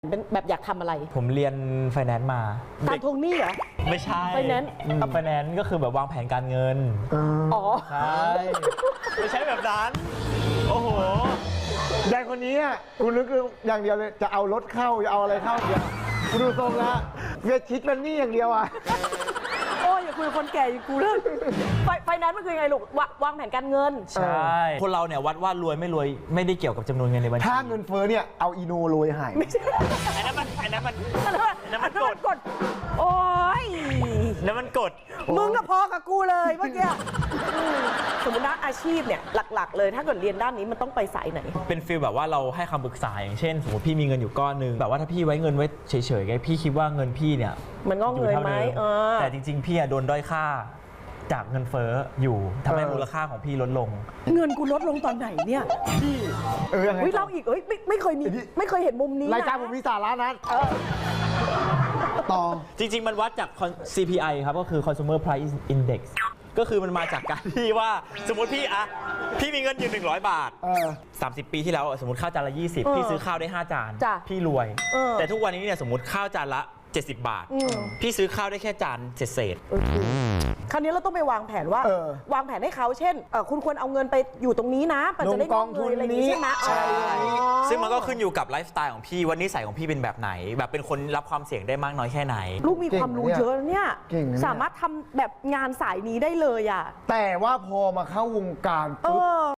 เป็นแบบอยากทำอะไรผมเรียนไฟแนนซ์มาการทวงหนี้เหรอไม่ใช่ไฟแนนซ์ไฟแนนซ์ก็คือแบบวางแผนการเงินอ๋อใช่ไม่ใช่แบบนั้นโอ้โหยายคนนี้อ่ะกูนึกอย่างเดียวเลยจะเอารถเข้าจะเอาอะไรเข้าเดียวกูดูทรงแล้วเวียชิดเป็นหนี้อย่างเดียวอ่ะโอ้ยอย่าคุยกับคนแก่อย่ากูเรื่องไฟแนนซ์มันคือยังไงลูกวางแผนการเงินใช่คนเราเนี่ยวัดว่ารวยไม่รวยไม่ได้เกี่ยวกับจำนวนเงินในบัญชีถ้าเงินเฟ้อเนี่ยเอาอีโนโรยหายอันนั้นมันกดโอ้ยแล้วมันกดมึงก็พอกับกูเลยเมื่อกี้สมมตินะอาชีพเนี่ยหลักๆเลยถ้าเกิดเรียนด้านนี้มันต้องไปสายไหนเป็นฟีลแบบว่าเราให้คำปรึกษาอย่างเช่นสมมติพี่มีเงินอยู่ก้อนหนึงแบบว่าถ้าพี่ไว้เงินไว้เฉยๆไงพี่คิดว่าเงินพี่เนี่ยมันงอกเงยไหมอยู่ท่าดิแต่จริงๆพี่อะโดนด้อยค่าจากเงินเฟ้ออยู่ทำให้มูลค่าของพี่ลดลงเงินกูลดลงตอนไหนเนี่ยพี่ยังไงเฮ้ยเราอีกไม่เคยมีไม่เคยเห็นมุมนี้นะรายการผมมีสาระนะต่อจริงๆ มันวัดจาก CPI ครับก็คือ Consumer Price Index ก็คือมันมาจากการที่ว่าสมมติพี่มีเงินอยู่100 บาท 30 ปีที่แล้วสมมติข้าวจานละ20พี่ซื้อข้าวได้5 จานจ้ะพี่รวย แต่ทุกวันนี้เนี่ยสมมติข้าวจานละ70 บาท พี่ซื้อข้าวได้แค่จานเศษคราวนี้เราต้องไปวางแผนว่า วางแผนให้เขาเช่นคุณควรเอาเงินไปอยู่ตรงนี้นะมันจะได้งอกเงยอะไรอย่างนี้ใช่ไหมใช่ซึ่งมันก็ขึ้นอยู่กับไลฟ์สไตล์ของพี่ว่านิสัยของพี่เป็นแบบไหน แบบเป็นคนรับความเสี่ยงได้มากน้อยแค่ไหนลูกมีความรู้เยอะนะเนี่ยเก่งนะเนี่ยสามารถทำแบบงานสายนี้ได้เลยอ่ะแต่ว่าพอมาเข้าวงการเอปุ๊บอ